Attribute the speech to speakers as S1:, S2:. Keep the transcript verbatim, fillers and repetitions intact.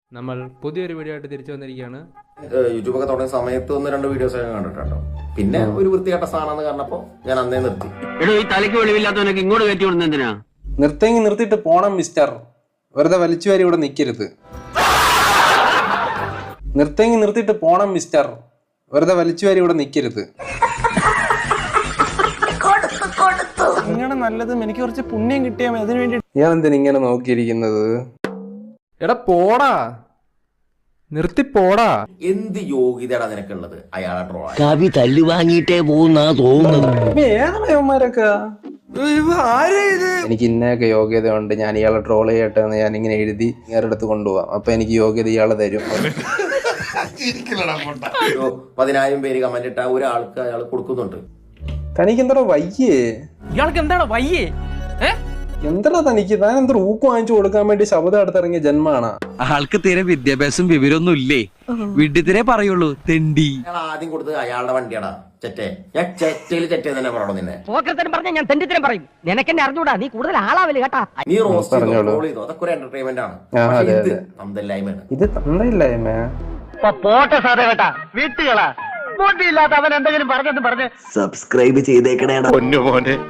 S1: നമ്മൾ പുതിയൊരു വീഡിയോ ആയിട്ട് തിരിച്ചു വന്നിരിക്കുകയാണ്.
S2: യൂട്യൂബൊക്കെ തുടങ്ങിയ സമയത്ത് ഒന്ന് രണ്ട് വീഡിയോസ് ഒക്കെ കണ്ടിട്ടുണ്ടോ. പിന്നെ ഒരു വൃത്തികെട്ട സാധനം കണ്ടപ്പോ ഞാൻ അന്നേ നിർത്തി.
S3: ഈ തലയ്ക്ക് വെളിവില്ലാത്തവനൊക്കെ ഇങ്ങോട്ട് കയറ്റി വിടുന്ന എന്തിനാ?
S4: നിർത്തേങ്ങി നിർത്തിയിട്ട് പോണം മിസ്റ്റർ, വെറുതെ വലിച്ചുവാരി ഇവിടെ നിൽക്കരുത്. നിർത്തേങ്ങി നിർത്തിയിട്ട് പോണം മിസ്റ്റർ, വെറുതെ വലിച്ചുവാരി ഇവിടെ നിൽക്കരുത്.
S5: ഇങ്ങനെ നല്ലതും എനിക്ക് കുറച്ച് പുണ്യം കിട്ടിയാൽ അതിനു വേണ്ടി
S4: ഞാൻ എന്തിനാ ഇങ്ങനെ നോക്കിയിരിക്കുന്നത്?
S1: എടാ പോടാ, നിർത്തി പോടാ.
S2: എന്ത് യോഗ്യതയാണ് നിനക്കുള്ളത് അയാളെ ട്രോൾ?
S3: കവി തല്ലു വാങ്ങിയിട്ടേ പോകുന്നാ തോന്നുന്നത്.
S4: ഏതവന്മാരൊക്കെ എനിക്ക് ഇന്നയൊക്കെ യോഗ്യതയുണ്ട്, ഞാൻ ഇയാളെ ട്രോൾ ചെയ്യട്ടെ എന്ന് ഞാൻ ഇങ്ങനെ എഴുതി ഇയാളുടെ അടുത്ത് കൊണ്ടുപോവാം. അപ്പൊ എനിക്ക് യോഗ്യത ഇയാളെ തരും.
S2: പതിനായിരം പേര് കമന്റ് ഇട്ട ഒരാൾക്ക് അയാൾ കൊടുക്കുന്നുണ്ട്.
S4: തനിക്ക് എന്താ വയ്യേ?
S5: ഇയാൾക്ക് എന്താണ് വയ്യേ?
S4: എന്താ തനിക്ക്? താൻ എന്താ ഊക്ക് വാങ്ങിച്ചു കൊടുക്കാൻ വേണ്ടി ശബ്ദം അടുത്തിറങ്ങിയ ജന്മാണ്.
S6: ആൾക്ക് തീരെ വിദ്യാഭ്യാസം വിവരമൊന്നും ഇല്ലേ, വിഡ്ഢിത്തിരെ പറയുള്ളൂ തെണ്ടി.
S2: അയാൾ ആദ്യം കൊടുത്തത് അയാളുടെ വണ്ടിയാടാ ചെറ്റേ. ഞാൻ ചെറ്റയിൽ ചെറ്റേ തന്നെ പറയണോ നിന്നെ?
S7: പറഞ്ഞ ഞാൻ തെണ്ടിത്തരം പറയും. നിനക്കെന്നെ അറിഞ്ഞൂടാ, നീ കൂടുതൽ ആളാവില്ല കേട്ടാ.
S2: നീ റോസ്റ്റ് ചെയ്തോ, ട്രോൾ ചെയ്തോ, അതൊക്കെ ഒരു എന്റർടൈൻമെന്റ് ആണ്. ഇത് തന്തല്ലായ്മയാണ്.
S4: ഇത് തന്തയില്ലായ്മ.
S7: പോട്ടെ സാറേ കേട്ടാ, വീട്ടുകളാ ബോട്ടിയില്ലാത്ത അവൻ എന്തെങ്കിലും പറഞ്ഞെന്ന് പറഞ്ഞ്
S3: സബ്സ്ക്രൈബ് ചെയ്തേക്കണേടാ.